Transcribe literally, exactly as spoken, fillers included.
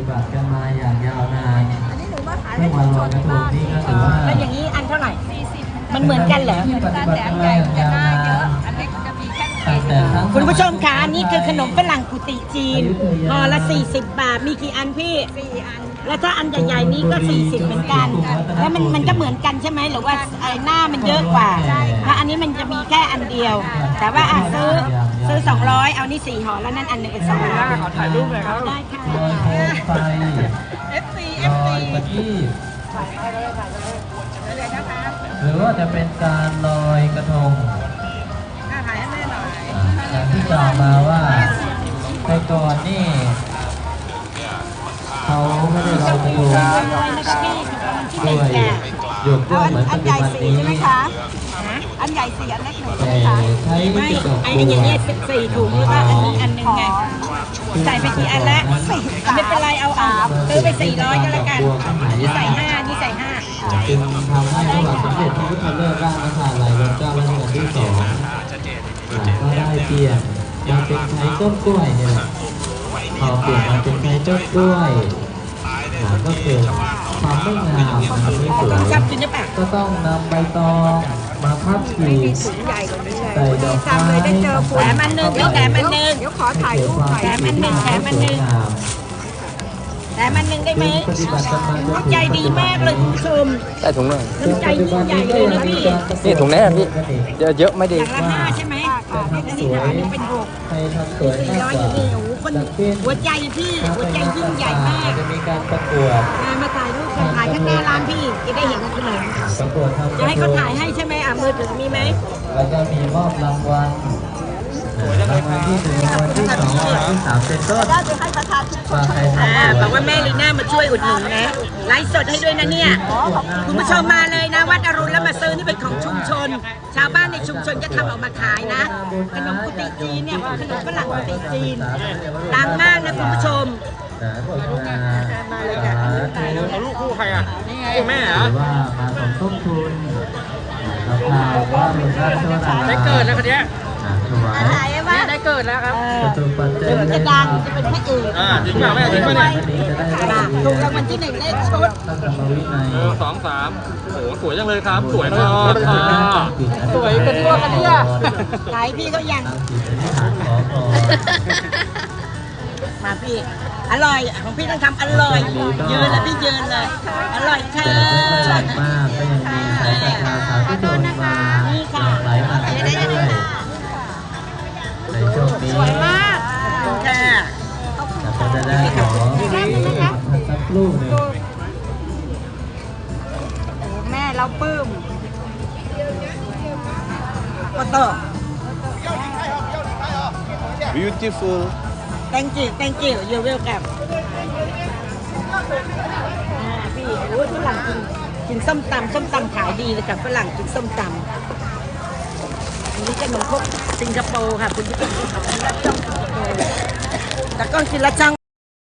บัติกันมาอย่างยาวนานอันนี้หนูมาขายซึ่ให้งชุวันมลชอยนกระทงบ้างนี้ก็ถือว่าแล้วอย่างนี้อันเท่าไหร่มันเหมือนกันเหรอที่ปฏิบัติกันมาอย่างยาวนานอันเล็กจะมีแค่ตั้งแต่ครั้งคุณผู้ชมคะอันนี้คือขนมฝรั่งกุฏิจีนห่อละสี่สิบบาทมีกี่อันพี่สี่อันแล้วถ้าอันใหญ่ๆนี้ก็สี่สิบเหมือนกัน แล้วมันมันก็เหมือนกันใช่ไหมหรือว่าไอ้หน้ามันเยอะกว่าถ้าอันนี้มันจะมีแค่อันเดียว แต่ว่าอ่ะซื้อซื้อสองร้อยเอานี่สี่ห่อแล้วนั่นอันหนึ่งเป็นสองร้อยขอถ่ายรูปเลยครับได้ค่ะลอยโคมไฟเอฟซีลเอฟอซียประทีปเลยนะคะหรือว่าจะเป็นการลอยกระทงถ่ายให้แม่หน่อยอ่าอย่างที่กล่าวมาว่าแต่ก่อนนี่เขาไม่ได้ลอยกระทงลอยนะคะพี่ที่หด้นึ่งวยแก่หยกด้วยเหมือนปัจจุบันนี้อันใหญ่สี่อันเล็กหนึ่งแต่ใช่ไหมคะใช้ไม่กระจกไอ้ตัวอย่างเงี้ยสี่ถุงแล้วก็อันนี้อันหนึ่งไงใส่ไปกี่อันละไม่เป็นไรเอาเอาซื้อไปสี่ร้อยก็แล้วกันนี่ใส่ห้านี่ใส่ห้าจึงทำให้พระบาทสมเด็จพระพุทธเลิศราชนครหลายรัชกาลรัชกาลที่สองอ่าก็ได้เปลี่ยนมาเป็นใช้ต้นกล้วยเนี่ยแหละพอเปลี่ยนมาเป็นใช้ต้นกล้วยอ่าก็เกิดความไม่งามมันไม่สวยชอบกินหรือเปล่าก็ต้องนำใบตองมาพับขีดถุงใหญ่กว่านี้เลยใส่ดอกจำเลยได้เจอคุณแถมอันหนึ่งพี่แถมอันหนึ่งเดี๋ยวขอถ่ายรูปหน่อยแถมอันหนึ่งแถมอันหนึ่ง แต่มันหนึ่งได้ไหมปฏิบัติกันมาจนถึงใจดีมากเลยคุณผู้ชมได้ถุงหนึ่งน้ำใจยิ่งใหญ่เลยนะพี่นี่ถุงนี้นะพี่เยอะเยอะไม่ดีอย่างละห้าใช่ไหมค่ะที่อันนี่นี้นะอันนี้เป็นหกใครทำสวยสี่มากร้อยกว่าอย่างนี้โอ้โหคนหัวใจพี่หัวใจยิ่งใหญ่มากจะมีการประกวดมามาถ่ายรูปกันถ่ายข้างหน้าร้านพี่จะได้เห็นขนมประกวดทำจะให้เขาถ่ายให้ใช่ไหมอ่ะมือถือมีไหมแล้วก็มีมอบรางวัลรางวัลที่หนึ่งรางวัลที่สองรางวัลที่สามเป็นต้นได้จะให้ประธานชุมชว่าน ใครทำอ่าบอกว่าแม่ลีน่ามาช่วยอุดหนุนนะไลฟ์สดให้ด้วยนะเนี่ยคุณผู้ชมมาเลยนะวัดอรุณแล้วมาซื้อนี่เป็นของชุมชน ชาวบ้านในชุมชนก็ทำออกมาขายนะขนมกุฏิจีนเนี่ยขนมฝรั่งกุฏิจีนดังมากนะคุณผู้ชมนะขอบคุณนะมาเลยค่ะเอาลูกคู่ใครอ่ะคู่แม่หเหรอรือว่ามาสมทบทุนราคาว่าหลวงราชวราได้เกิดแล้วคนเนี้ยถวายถ่ายไว้ว่าได้เกิดแล้วครับจตุปัจจัยเดี๋ยวจะดังจะเป็นพระเอกอ่าจริงเปล่าแม่จริงป่ะเนี่ยจะได้ถูกรางวัลที่หนึ่งเลขชุดตั้งธรรมวินัยเออสองสามโอ้โหสวยจังเลยครับ สวยมากค่ะสวยเป็นตัวกันเนี่ยขายพี่เขายังตั้งจิตอธิษฐานขอพรมาพี่ อร่อยของพี่ต้องทำอร่อย ยืนเลยพี่ยืนเลย อร่อยค่ะแต่ไม่ค่อยแรงมากก็ยังมีสายศรัทธาสาธุชนมาหลั่งไหลมากันเรื่อยๆในช่วงนี้สวยมากค่ะแล้วก็จะได้ขอสักครู่หนึ่งแม่เราปลื้มโอโต้ beautiful thank you thank you you welcome อ่าพี่โอ้ยฝรั่งกินกินส้มตำส้มตำขายดีเลยค่ะฝรั่งกินส้มตำอันนี้ขนมครกสิงคโปร์ค่ะคุณผู้ชมขอบคุณรับช่องสิงคโปร์แต่ก็กินละช่อง